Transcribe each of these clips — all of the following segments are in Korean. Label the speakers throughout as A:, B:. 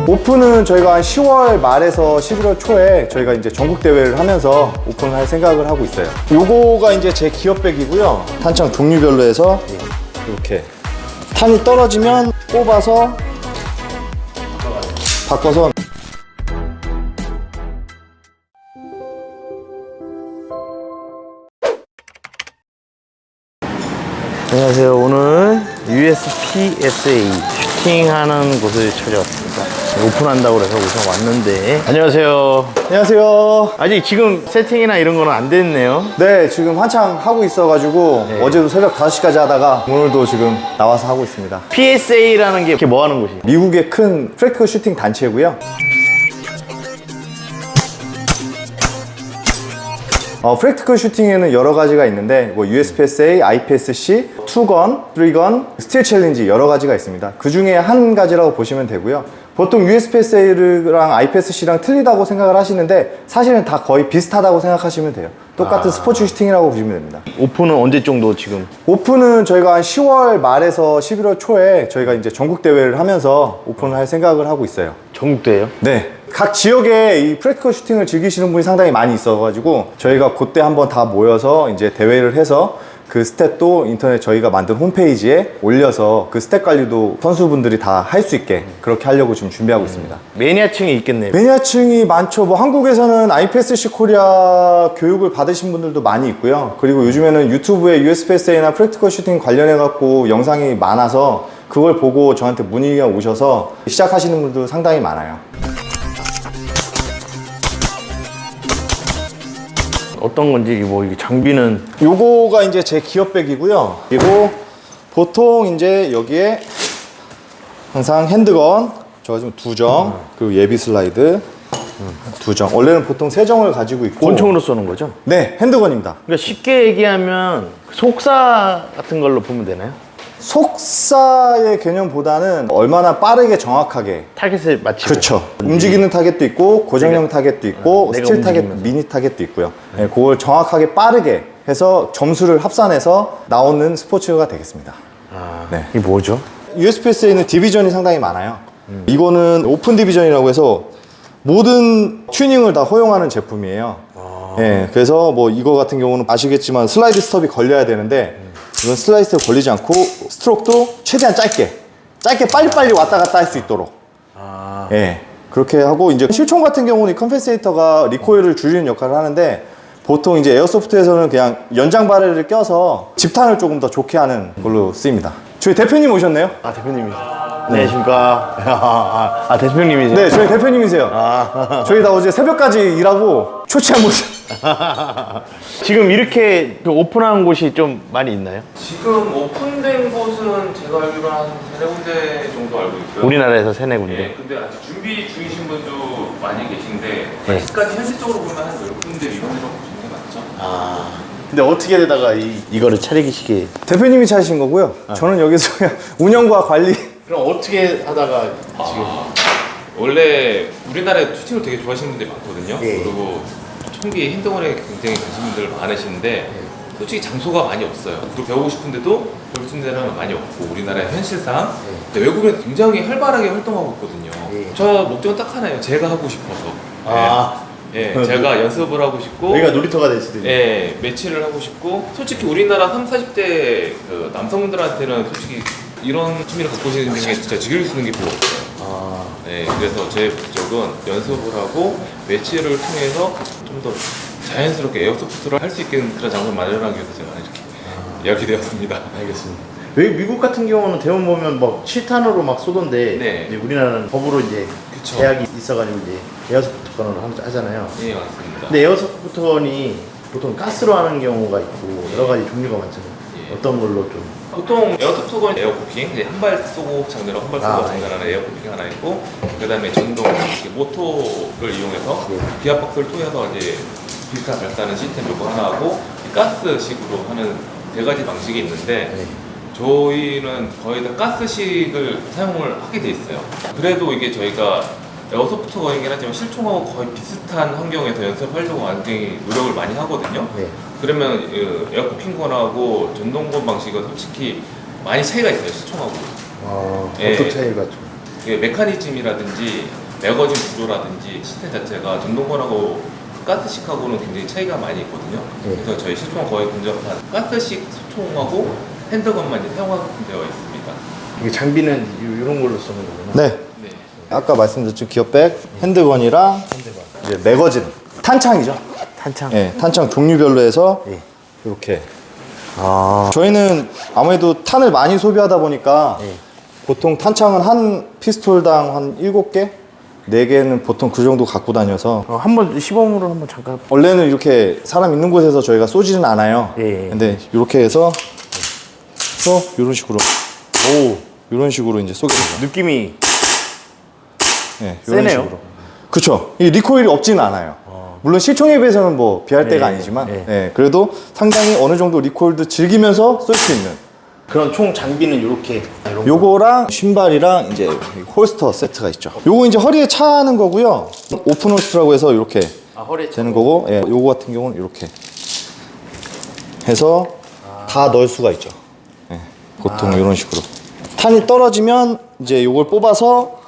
A: 오픈은 저희가 한 10월 말에서 11월 초에 저희가 이제 전국 대회를 하면서 오픈을 할 생각을 하고 있어요. 요거가 이제 제 기업백이고요. 탄창 종류별로 해서 이렇게 탄이 떨어지면 뽑아서 바꿔서.
B: 안녕하세요. 오늘 USPSA 슈팅하는 곳을 찾아왔습니다. 오픈한다고 해서 우선 왔는데. 안녕하세요.
A: 안녕하세요.
B: 아직 지금 세팅이나 이런 거는 안 됐네요.
A: 네, 지금 한창 하고 있어가지고 어제도 새벽 5시까지 하다가 오늘도 지금 나와서 하고 있습니다.
B: PSA라는 게 뭐 하는 곳이에요?
A: 미국의 큰 프랙티컬 슈팅 단체고요. 프랙티컬 슈팅에는 여러 가지가 있는데 뭐 USPSA, IPSC, 2건, 3건, 스틸 챌린지 여러 가지가 있습니다. 그 중에 한 가지라고 보시면 되고요. 보통 USPSA랑 IPSC랑 틀리다고 생각을 하시는데 사실은 다 거의 비슷하다고 생각하시면 돼요. 똑같은 스포츠 슈팅이라고 보시면 됩니다.
B: 오픈은 언제 정도 지금?
A: 오픈은 저희가 한 10월 말에서 11월 초에 저희가 이제 전국 대회를 하면서 오픈을 할 생각을 하고 있어요.
B: 전국대회요?
A: 네. 각 지역에 이 프랙티컬 슈팅을 즐기시는 분이 상당히 많이 있어가지고 저희가 그때 한번 다 모여서 이제 대회를 해서 그 스탯도 인터넷 저희가 만든 홈페이지에 올려서 그 스탯 관리도 선수분들이 다 할 수 있게 그렇게 하려고 지금 준비하고 있습니다.
B: 매니아층이 있겠네요.
A: 매니아층이 많죠. 뭐 한국에서는 IPSC 코리아 교육을 받으신 분들도 많이 있고요. 그리고 요즘에는 유튜브에 USPSA나 프랙티컬 슈팅 관련해 갖고 영상이 많아서 그걸 보고 저한테 문의가 오셔서 시작하시는 분들도 상당히 많아요.
B: 어떤 건지 뭐 이게 장비는
A: 요거가 이제 제 기업백이고요. 그리고 보통 이제 여기에 항상 핸드건 저 지금 2정 그리고 예비 슬라이드 2정. 원래는 보통 3정을 가지고 있고
B: 권총으로 쏘는 거죠?
A: 네, 핸드건입니다.
B: 그러니까 쉽게 얘기하면 속사 같은 걸로 보면 되나요?
A: 속사의 개념보다는 얼마나 빠르게 정확하게
B: 타겟을 맞추고.
A: 그렇죠. 움직이는 타겟도 있고 고정형 타겟도 있고
B: 내가
A: 스틸 타겟,
B: 움직이면서.
A: 미니 타겟도 있고요. 네, 그걸 정확하게 빠르게 해서 점수를 합산해서 나오는 스포츠가 되겠습니다.
B: 아,
A: 네.
B: 이게 뭐죠?
A: USPSA는 디비전이 상당히 많아요. 이거는 오픈 디비전이라고 해서 모든 튜닝을 다 허용하는 제품이에요. 예, 그래서 뭐 이거 같은 경우는 아시겠지만 슬라이드 스톱이 걸려야 되는데 이건 슬라이드 스톱 걸리지 않고 스트로크도 최대한 짧게 빨리빨리 왔다 갔다 할 수 있도록 예, 그렇게 하고 이제 실총 같은 경우는 이 컴펜세이터가 리코일을 줄이는 역할을 하는데 보통 이제 에어소프트에서는 그냥 연장 바렐을 껴서 집탄을 조금 더 좋게 하는 걸로 쓰입니다. 저희 대표님 오셨네요?
B: 아, 대표님이. 네, 안녕하십니까. 대표님이세요?
A: 네, 저희 대표님이세요. 저희 다 어제 새벽까지 일하고 초췌한 모습.
B: 지금 이렇게 오픈한 곳이 좀 많이 있나요?
C: 지금 오픈된 곳은 제가 알기로 한 3-4군데 정도 알고 있고요.
B: 우리나라에서 3-4군데.
C: 네, 근데 아직 준비 중이신 분도 많이 계신데
B: 네.
C: 아직까지 현실적으로 보면 한 10군데 이상이라고 보시는 게 맞죠?
B: 근데 어떻게 되다가 이거를 차리시게.
A: 대표님이 차리신 거고요. 저는 여기서 그냥 운영과 관리.
B: 그럼 어떻게 하다가 지금.
C: 원래 우리나라에 슈팅을 되게 좋아하시는 분들이 많거든요.
B: 예.
C: 그리고 총기 핸드건에 굉장히 관심 분들 많으신데 솔직히 장소가 많이 없어요. 그리고 배우고 싶은데도 배울 수 있는 데는 많이 없고 우리나라의 현실상 근데 외국에는 굉장히 활발하게 활동하고 있거든요.
B: 예.
C: 저 목적은 딱 하나예요. 제가 하고 싶어서. 예, 제가 연습을 하고 싶고
B: 여기가 놀이터가 될 수도 있네.
C: 예, 매치를 하고 싶고 솔직히 우리나라 30-40대 그 남성분들한테는 솔직히 이런 취미를 갖고 계시는 게 진짜 즐길 수 있는 게 별로 없어요. 네, 그래서 제 목적은 연습을 하고 매치를 통해서 좀 더 자연스럽게 에어소프트를 할 수 있는 그런 장소를 마련하기 위해서 제가 이렇게 이야기 되었습니다.
B: 알겠습니다. 왜 미국 같은 경우는 대원 보면 막 7탄으로 막 쏘던데
C: 네.
B: 이제 우리나라는 법으로 이제
C: 그쵸.
B: 제약이 있어가지고 이제 에어소프트 건을 하잖아요.
C: 예, 맞습니다.
B: 근데 에어소프트 건이 보통 가스로 하는 경우가 있고 여러 가지 종류가 많잖아요.
C: 예.
B: 어떤 걸로 좀.
C: 보통 에어소프트건 에어쿠킹, 한 발 쏘고 장전하고 한 발 쏘고
B: 아,
C: 장전하는 에어쿠킹 하나 있고 그 다음에 전동 모터를 이용해서 기압박스를 통해서 이제 비슷한 발사하는 시스템 요거 하나 하고 가스식으로 하는 3가지 방식이 있는데
B: 네.
C: 저희는 거의 다 가스식을 사용을 하게 돼 있어요. 그래도 이게 저희가 에어소프트 거이긴 하지만 실총하고 거의 비슷한 환경에서 연습하려고 굉장히 노력을 많이 하거든요.
B: 네.
C: 그러면 에어쿠킹건하고 전동건 방식은 솔직히 많이 차이가 있어요, 실총하고.
B: 어떤
C: 예.
B: 차이가 좀.
C: 이게 메커니즘이라든지 매거진 구조라든지 시스템 자체가 전동건하고 가스식하고는 굉장히 차이가 많이 있거든요. 그래서 저희 시총은 거의 근접한 가스식 소총하고 핸드건만 이제 사용하게 되어 있습니다.
B: 이게 장비는 이런 걸로 쓰는 거구나.
A: 네.
C: 네.
A: 아까 말씀드렸죠. 기어백, 핸드건이랑 이제 매거진, 탄창이죠.
B: 탄창.
A: 예, 탄창 종류별로 해서
B: 예.
A: 이렇게.
B: 아.
A: 저희는 아무래도 탄을 많이 소비하다 보니까
B: 예.
A: 보통 탄창은 한 피스톨당 한 7개? 4개는 보통 그 정도 갖고 다녀서
B: 한번 시범으로 한번 잠깐.
A: 원래는 이렇게 사람 있는 곳에서 저희가 쏘지는 않아요.
B: 예.
A: 근데 이렇게 해서 이런 식으로 이런 식으로 이제 쏘게 되죠.
B: 느낌이
A: 예, 이런
B: 세네요.
A: 식으로. 그쵸. 이 리코일이 없지는 않아요. 물론 실총에 비해서는 뭐 비할 데가
B: 예,
A: 아니지만
B: 예.
A: 예, 그래도 상당히 어느 정도 리코일도 즐기면서 쏠 수 있는
B: 그런 총 장비는 이렇게.
A: 요거랑 신발이랑 이제 홀스터 세트가 있죠. 요거 이제 허리에 차는 거고요. 오픈 홀스터라고 해서 이렇게
B: 허리에
A: 되는 거고, 예, 요거 같은 경우는 이렇게 해서 다 넣을 수가 있죠. 예, 보통 이런 식으로. 탄이 떨어지면 이제 요걸 뽑아서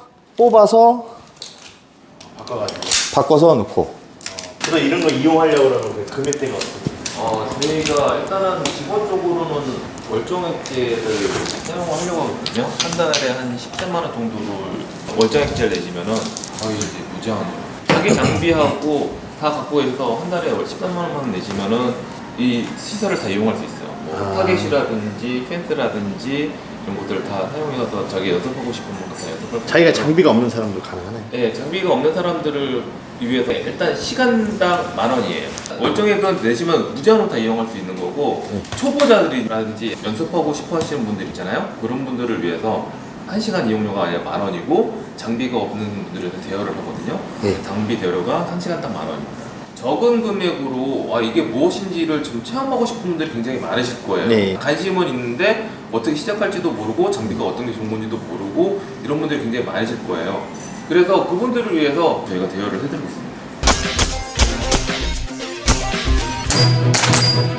A: 바꿔서 넣고.
B: 그래서 이런 거 이용하려고 그러면 그 금액대가 어떻게?
C: 저희가 일단은 기본적으로는 월정액제를 사용하려고 하거든요. 한 달에 한 10만 원 정도를 월정액제를 내시면은 거의 이제 무제한으로 자기 장비하고 다 갖고 해서 한 달에 13만 원만 내시면은 이 시설을 다 이용할 수 있어요. 뭐 타겟이라든지 펜스라든지 이런 것들을 다 사용해서 자기 연습하고 싶은 거 다 연습할 수
B: 자기가
C: 있고요.
B: 장비가 없는 사람도 가능하네.
C: 네, 장비가 없는 사람들을 위해서 일단 시간당 10,000원이에요. 월정액은 내시면 무제한으로 다 이용할 수 있는 거고 초보자들이라든지 연습하고 싶어 하시는 분들 있잖아요. 그런 분들을 위해서 1시간 이용료가 아니라 10,000원이고 장비가 없는 분들에서 대여를 하거든요.
B: 네.
C: 장비 대여료가 1시간당 10,000원입니다. 적은 금액으로 이게 무엇인지를 좀 체험하고 싶은 분들이 굉장히 많으실 거예요.
B: 네.
C: 관심은 있는데 어떻게 시작할지도 모르고 장비가 어떤 게 좋은 건지도 모르고 이런 분들이 굉장히 많으실 거예요. 그래서 그분들을 위해서 저희가 대여를 해드리고 있습니다.